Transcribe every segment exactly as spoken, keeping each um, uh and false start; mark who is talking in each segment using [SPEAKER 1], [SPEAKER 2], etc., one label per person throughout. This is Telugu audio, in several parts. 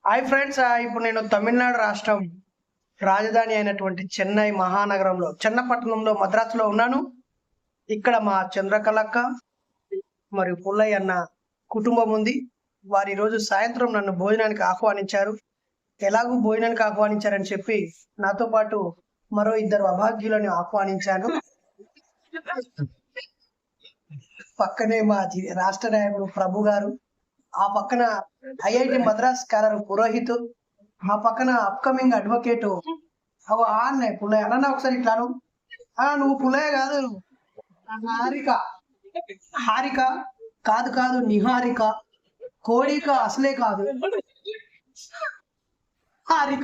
[SPEAKER 1] హాయ్ ఫ్రెండ్స్, ఇప్పుడు నేను తమిళనాడు రాష్ట్రం రాజధాని అయినటువంటి చెన్నై మహానగరంలో చెన్నపట్టణంలో మద్రాసులో ఉన్నాను. ఇక్కడ మా చంద్రకళక్క మరియు పుల్లయ్య అన్న కుటుంబం ఉంది. వారి రోజు సాయంత్రం నన్ను భోజనానికి ఆహ్వానించారు. ఎలాగూ భోజనానికి ఆహ్వానించారని చెప్పి నాతో పాటు మరో ఇద్దరు అభాగ్యులను ఆహ్వానించాను. పక్కనే మా రాష్ట్ర నాయకుడు ప్రభు గారు, ఆ పక్కన ఐఐటి మద్రాస్ స్కాలర్ పురోహిత్, ఆ పక్కన అప్కమింగ్ అడ్వకేట్ అవు అన్నయ్య పుల్లయ్య. అన్న ఒకసారి ఇట్లాను, ఆ నువ్వు పుల్లయ్య కాదు, హారిక. హారిక కాదు కాదు నిహారిక, కోడిక అసలే కాదు, హారిక.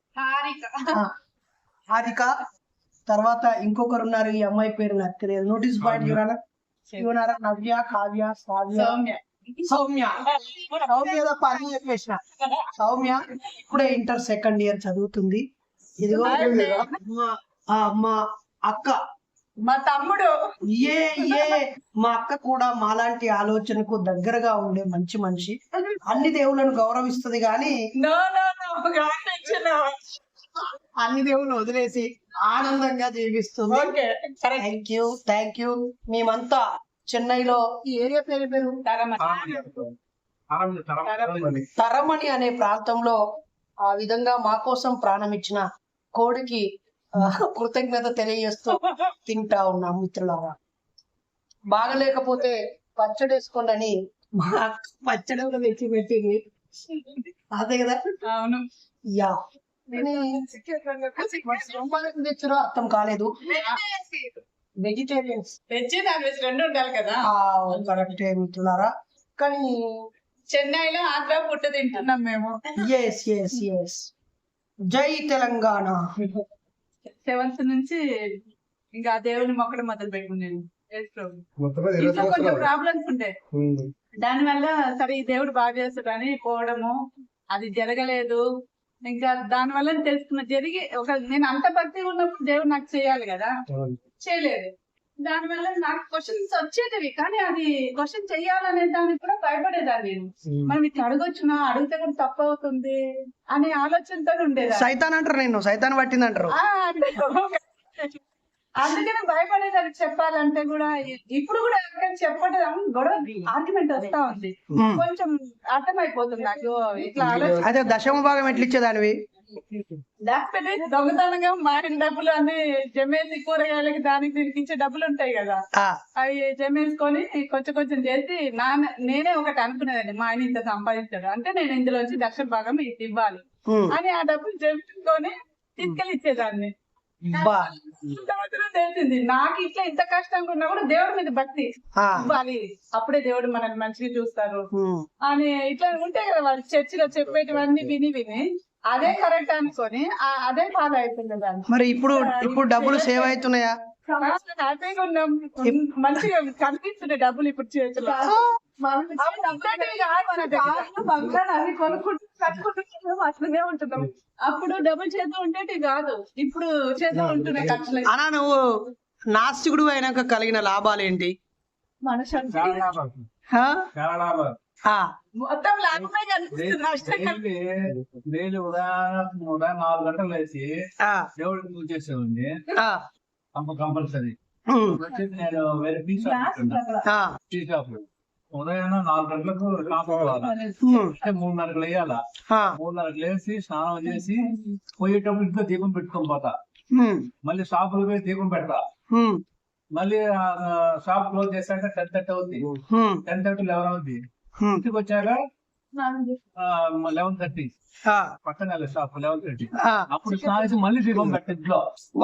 [SPEAKER 1] హారిక తర్వాత ఇంకొకరు ఉన్నారు. ఈ అమ్మాయి పేరు నాకు తెలియదు. నోటీస్ పాయింట్ ఇవ్వనా ఇవ్వనారా? నవ్య, కావ్య, సావ్య, సౌమ్య. సౌమ్య పని చెప్పేసిన. సౌమ్య ఇప్పుడే ఇంటర్ సెకండ్ ఇయర్ చదువుతుంది. ఇదిగో మా అక్క,
[SPEAKER 2] మా తమ్ముడు.
[SPEAKER 1] ఏ ఏ మా అక్క కూడా మాలాంటి ఆలోచనకు దగ్గరగా ఉండే మంచి మనిషి. అన్ని దేవుళ్ళను గౌరవిస్తుంది గాని అన్ని దేవుళ్ళు వదిలేసి ఆనందంగా జీవిస్తుంది. Thank you thank you. మేమంతా చెన్నైలో ఈ ఏరియా పేరు పేరు తరమణి అనే ప్రాంతంలో ఆ విధంగా మా కోసం ప్రాణం ఇచ్చిన కోడికి కృతజ్ఞత తెలియజేస్తూ తింటా ఉన్నాం. మిత్రులారా, బాగలేకపోతే పచ్చడి వేసుకోండి అని మా పచ్చడి కూడా తెచ్చి పెట్టింది. అదే కదా?
[SPEAKER 2] అవును.
[SPEAKER 1] యా తెచ్చారో అర్థం కాలేదు. వెజిటేరియన్స్
[SPEAKER 2] వెజ్ నాన్ వెజ్ రెండు ఉండాలి కదా.
[SPEAKER 1] కరెక్టే మిత్రులారా. కానీ
[SPEAKER 2] చెన్నైలో ఆంధ్ర పుట్ట తింటున్నాం మేము.
[SPEAKER 1] ఎస్ ఎస్ ఎస్ జై తెలంగాణ.
[SPEAKER 2] సెవెంత్ నుంచి ఇంకా దేవుని మొక్కడం మొదలు పెట్టుకున్నాను. ఇంట్లో కొంచెం ప్రాబ్లమ్స్ ఉండే, దాని వల్ల సరే ఈ దేవుడు బాగా చేస్తాడని పోవడము, అది జరగలేదు. ఇంకా దాని వల్ల తెలుసుకున్న జరిగి ఒక నేను అంత భక్తి ఉన్నప్పుడు దేవుడు నాకు చేయాలి కదా, చేయలేదు. దాని వల్ల నాకు క్వశ్చన్స్ వచ్చేటివి, కానీ అది క్వశ్చన్ చెయ్యాలనే దానికి కూడా భయపడేదాన్ని. నేను మనం ఇట్లా అడగొచ్చునా, అడిగితే కూడా తప్పు అవుతుంది అనే ఆలోచనతో ఉండేది.
[SPEAKER 1] సైతాన్ అంటారు, నేను సైతాన్ పట్టింది అంటారు.
[SPEAKER 2] అందుకనే భయపడేదాన్ని చెప్పాలంటే కూడా. ఇప్పుడు కూడా చెప్పడం గొడవ ఆర్గ్యుమెంట్ వస్తా ఉంది, కొంచెం అర్థమైపోతుంది నాకు. ఇట్లా
[SPEAKER 1] అదే దశమ భాగం ఎట్లా ఇచ్చేదానివి?
[SPEAKER 2] లేకపోతే దొంగతనంగా మారిన డబ్బులు అన్ని జమేసి కూరగాయలకి దానికి దీనికి ఇచ్చే డబ్బులు ఉంటాయి కదా, అవి జమేసుకొని కొంచెం కొంచెం చేసి నా నేనే ఒకటి అనుకునేదండి, మా ఆయన ఇంత సంపాదించాడు అంటే నేను ఇందులోంచి దక్షిణ భాగం ఇది ఇవ్వాలి అని ఆ డబ్బులు జమేసుకొని తీసుకెళ్ళి ఇచ్చేదాన్ని. తెలిసింది నాకు ఇట్లా ఇంత కష్టంగా ఉన్నా కూడా దేవుడి మీద భక్తి ఇవ్వాలి, అప్పుడే దేవుడు మనల్ని మంచిగా చూస్తారు అని ఇట్లా ఉంటాయి కదా. వాళ్ళు చర్చిలో చెప్పేటివన్నీ విని విని అదే కరెక్ట్ అనుకొని అదే బాధ అయిపోయింది దాన్ని.
[SPEAKER 1] మరి ఇప్పుడు ఇప్పుడు డబ్బులు సేవ్ అవుతున్నాయా?
[SPEAKER 2] హ్యాపీగా ఉన్నాం, మంచిగా కనిపిస్తున్నాయి డబ్బులు ఇప్పుడు చేతిలో. అవి కొనుక్కుంటూ కట్టుకుంటూ అట్లనే ఉంటున్నాం. అప్పుడు డబ్బులు చేతులు ఉండేటి కాదు, ఇప్పుడు చేతులు ఉంటున్నాయి ఖర్చులు.
[SPEAKER 1] అన్నా, నువ్వు నాస్తికుడు అయినాక కలిగిన లాభాలు ఏంటి?
[SPEAKER 2] మనశ్శాంతి, మొత్తం లాభమే కనిపిస్తుంది, నష్టం
[SPEAKER 3] డైలీ ఉదయం ఉదయం నాలుగు గంటలు వేసి దేవుడికి పూజ చేసేవాడిని కంపల్సరీ. నేను వేరే టీ షాప్ టీ షాప్ ఉదయం నాలుగు గంటలకు షాప్ అంటే మూడున్నరకు లేయాలా, మూడున్నరకు లేసి స్నానం చేసి పోయేటప్పుడు ఇంట్లో దీపం పెట్టుకొని పోతా, మళ్ళీ షాపులు పోయి దీపం పెడతా, మళ్ళీ షాప్ క్లోజ్ చేశాక టెన్ థర్టీ అవుద్ది, టెన్ థర్టీ లెవెన్ అవుద్ది. ఇంటికి వచ్చాక లెవెన్ థర్టీ పక్కన షాప్ లెవెన్ థర్టీ అప్పుడు స్నానం మళ్ళీ దీపం పెట్ట ఇంట్లో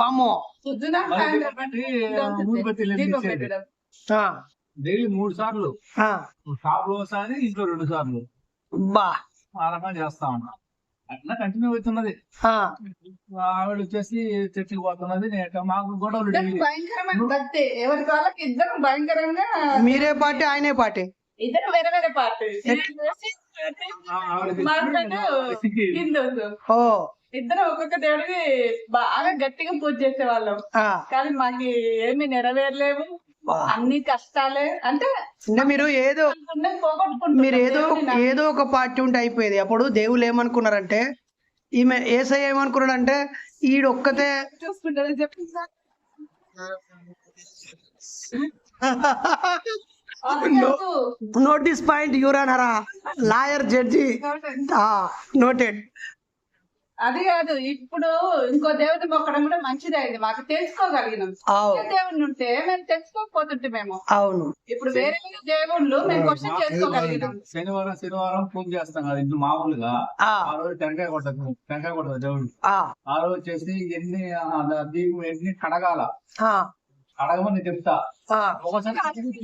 [SPEAKER 3] డైలీ మూడు సార్లు, షాప్ లో ఒకసారి ఇంట్లో రెండు సార్లు ఆ రకంగా చేస్తా ఉన్నా. అట్లా కంటిన్యూ అవుతున్నది. ఆవిడ వచ్చేసి చర్చికి పోతున్నది, మాకు గొడవలు.
[SPEAKER 2] భయంకరమైన భక్తి ఎవరికి వాళ్ళకి ఇద్దరు భయంకరంగా.
[SPEAKER 1] మీరే పార్టీ ఆయనే పార్టీ,
[SPEAKER 2] ఇద్దరు వేరే వేరే పార్టీ. హిందూస్ ఇద్దరు ఒక్కొక్క దేవుడికి బాగా గట్టిగా పూజ చేసే వాళ్ళం, కానీ మాకు ఏమి నెరవేరలేవు. అన్ని కష్టాలే అంటే
[SPEAKER 1] అంటే మీరు ఏదో
[SPEAKER 2] అనుకున్నది పోగొట్టుకుంటున్నాం.
[SPEAKER 1] మీరు ఏదో
[SPEAKER 2] దేవుడిని నమ్మి
[SPEAKER 1] ఏదో ఒక పార్టీ ఉంటే అయిపోయేది. అప్పుడు దేవుళ్ళు ఏమనుకున్నారంటే, ఈమె ఏసై ఏమనుకున్నాడంటే ఈడొక్కతే
[SPEAKER 2] చూసుకుంటారని చెప్పిందా
[SPEAKER 1] నోటీస్ పాయింట్ యూరానరా లాయర్ జడ్జి నోటెడ్.
[SPEAKER 2] అది కాదు, ఇప్పుడు ఇంకో దేవుడిని మొక్కడం కూడా మంచిదే. అయింది మాకు తెలుసుకోగలిగినాం. ఏ దేవుడిని ఉంటే మేము తెలుసుకోకపోతుంటే మేము
[SPEAKER 1] అవును.
[SPEAKER 2] ఇప్పుడు వేరే వేరే దేవుళ్ళు మేము క్వశ్చన్ చేసుకోగలిగినాం.
[SPEAKER 3] శనివారం శనివారం పూజ చేస్తాం కదా ఇంట్లో మామూలుగా. ఆ రోజు టెంకాయ కొట్టదు టెంకాయ కొట్టదు దేవుడు. ఆ రోజు వచ్చేసి ఎన్ని దీపం ఎన్ని కడగాల కడగమని చెప్తా. ఒకసారి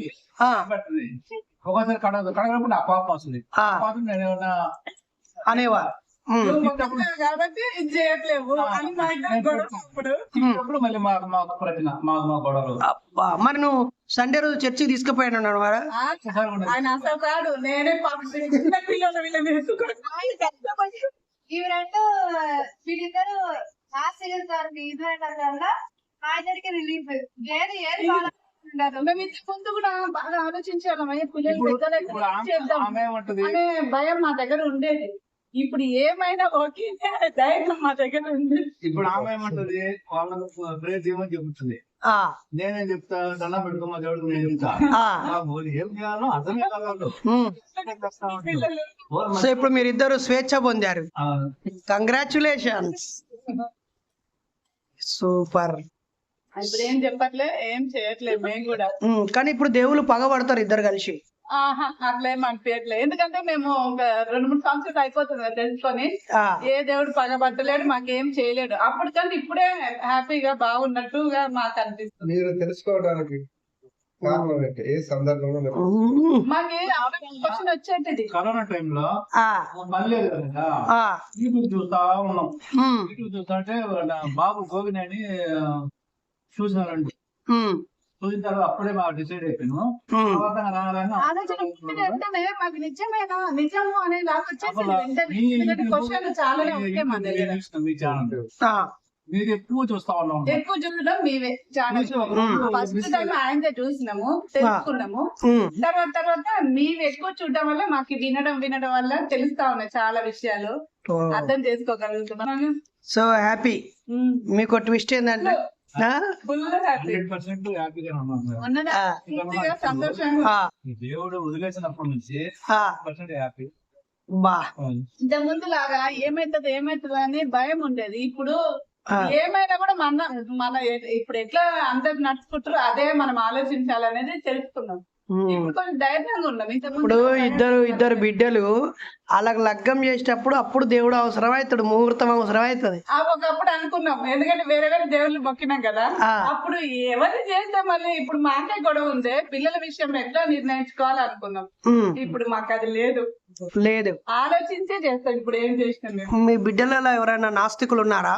[SPEAKER 3] ఒకసారి కడగదు కడగనప్పుడు నా కోపం వస్తుంది. కోపం నేను ఏమన్నా
[SPEAKER 1] అనేవా
[SPEAKER 2] కాబట్టి ఇది చేయట్లేవు అని మా ఇద్దరు గొడవ.
[SPEAKER 3] మళ్ళీ మాకు మాకు ప్రశ్న మాకు మా గొడవలు.
[SPEAKER 1] మరి నువ్వు సండే రోజు చర్చికి తీసుకుపోయాను అన్నాడు మరి.
[SPEAKER 2] ఆయన అసలు కాదు, నేనే చిన్న పిల్లలు వీళ్ళని
[SPEAKER 4] ఇవి రెండు వీళ్ళిద్దరు ఆశీర్వదించారు. ఇద్దరు ఆయనకి రిలీఫ్ ఏది ఏది ఉండదు.
[SPEAKER 2] మేము ఇంత ముందు కూడా బాగా ఆలోచించాము పిల్లలు పెద్దలు అనే భయం మా దగ్గర ఉండేది. ఇప్పుడు ఏమైనా ఓకే ధైర్యం మా దగ్గర ఉంది.
[SPEAKER 3] ఇప్పుడు ఆమె ఏమంటది వాళ్ళకు ప్రేర్ చేయమని చెబుతుంది. నేనేం చెప్తా దండం పెట్టుకోమా దేవుడికి నేను చెప్తా. ఏం చేయాలో అర్థమే కాదు.
[SPEAKER 1] సో ఇప్పుడు మీరిద్దరు స్వేచ్ఛ పొందారు. కంగ్రాచులేషన్స్. సూపర్.
[SPEAKER 2] ఇప్పుడు ఏం చెప్పట్లే ఏం చేయట్లేదు మేము కూడా.
[SPEAKER 1] కానీ ఇప్పుడు దేవుళ్ళు పగబడతారు ఇద్దరు కలిసి.
[SPEAKER 2] ఆహా అట్లేం అనిపించట్లే. ఎందుకంటే మేము ఒక రెండు మూడు సంవత్సరాలు అయిపోతుంది కదా తెలుసుకొని ఏ దేవుడు పగబట్టలేడు మాకేం చేయలేడు. అప్పటికంటే ఇప్పుడే హ్యాపీగా బాగున్నట్టుగా మాకు అనిపిస్తుంది.
[SPEAKER 5] మీరు తెలుసుకోవడానికి కారణం ఏంటి? ఏ సందర్భంలో
[SPEAKER 2] మాకు క్వశ్చన్ వచ్చేది
[SPEAKER 3] కరోనా టైంలో మళ్ళీ యూట్యూబ్ చూస్తా ఉన్నాం. యూట్యూబ్ చూస్తా అంటే బాబు గోవిని అని చూసినారండి. చూసిన తర్వాత అప్పుడే మాకు డిసైడ్ అయిపోయాను.
[SPEAKER 2] ఆలోచన వెంటనే మాకు నిజమేనా నిజము అనే లాగా వచ్చేసింది వెంటనే. క్వశ్చన్ చాలానే ఉంటాయి మా దగ్గర.
[SPEAKER 3] మీ ఛానల్ మీరు ఎక్కువ చూస్తా ఉన్నాం.
[SPEAKER 2] ఎక్కువ చూడడం మీవే ఛానల్. ఫస్ట్ టైం ఆయనదే చూసినాము తెలుసుకున్నాము. తర్వాత తర్వాత మీవి ఎక్కువ చూడడం వల్ల మాకు వినడం వినడం వల్ల తెలుస్తా ఉన్నాయి చాలా విషయాలు అర్థం చేసుకోగలుగుతున్నాను.
[SPEAKER 1] So happy. మీకు ట్విస్ట్ ఏంటంటే
[SPEAKER 3] దేవుడు వదిలేసినప్పటి నుంచి హ్యాపీ.
[SPEAKER 2] ఇంత ముందు లాగా ఏమైతుంది ఏమైతుంది అని భయం ఉండేది. ఇప్పుడు ఏమైనా కూడా మన మన ఇప్పుడు ఎట్లా అందరు నడుచుకుంటారో అదే మనం ఆలోచించాలనేది తెలుసుకున్నాం. ఇప్పుడు కొంచెం ధైర్యంగా ఉన్నాం.
[SPEAKER 1] ఇప్పుడు ఇద్దరు ఇద్దరు బిడ్డలు అలాగ లగ్గం చేసేటప్పుడు అప్పుడు దేవుడు అవసరం అవుతాడు, ముహూర్తం అవసరం అవుతుంది.
[SPEAKER 2] ఒకప్పుడు అనుకున్నాం, ఎందుకంటే వేరే వేరే దేవుళ్ళు మొక్కినాం కదా. అప్పుడు ఎవరు చేస్తే మళ్ళీ ఇప్పుడు మాకే గొడవ ఉంది, పిల్లల విషయం ఎట్లా నిర్ణయించుకోవాలి అనుకున్నాం. ఇప్పుడు మాకు అది లేదు
[SPEAKER 1] లేదు
[SPEAKER 2] ఆలోచించే చేస్తాం. ఇప్పుడు ఏం చేసినాం మేము.
[SPEAKER 1] మీ బిడ్డలలో ఎవరైనా నాస్తికులు ఉన్నారా?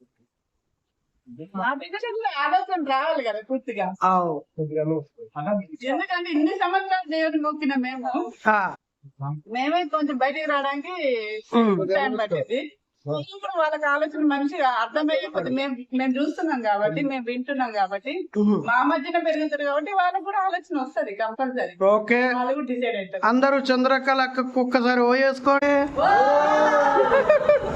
[SPEAKER 2] మా బిడ్డలకు ఆలోచన రావాలి కదా పూర్తిగా. ఎందుకంటే ఇన్ని సంవత్సరాలు దేవుని మొక్కిన మేము మేమే కొంచెం బయటికి రావడానికి టైం పట్టింది. ఇప్పుడు వాళ్ళకి ఆలోచన మంచిగా అర్థమయ్యేది. మేము మేము చూస్తున్నాం కాబట్టి మేము వింటున్నాం కాబట్టి మా మధ్యన పెరుగుతారు కాబట్టి వాళ్ళకి కూడా ఆలోచన వస్తుంది కంపల్సరీ.
[SPEAKER 1] ఓకే
[SPEAKER 2] వాళ్ళు కూడా డిసైడ్ అవుతారు.
[SPEAKER 1] అందరూ చంద్రకళ ఒక్కసారి ఓ వేసుకోండి.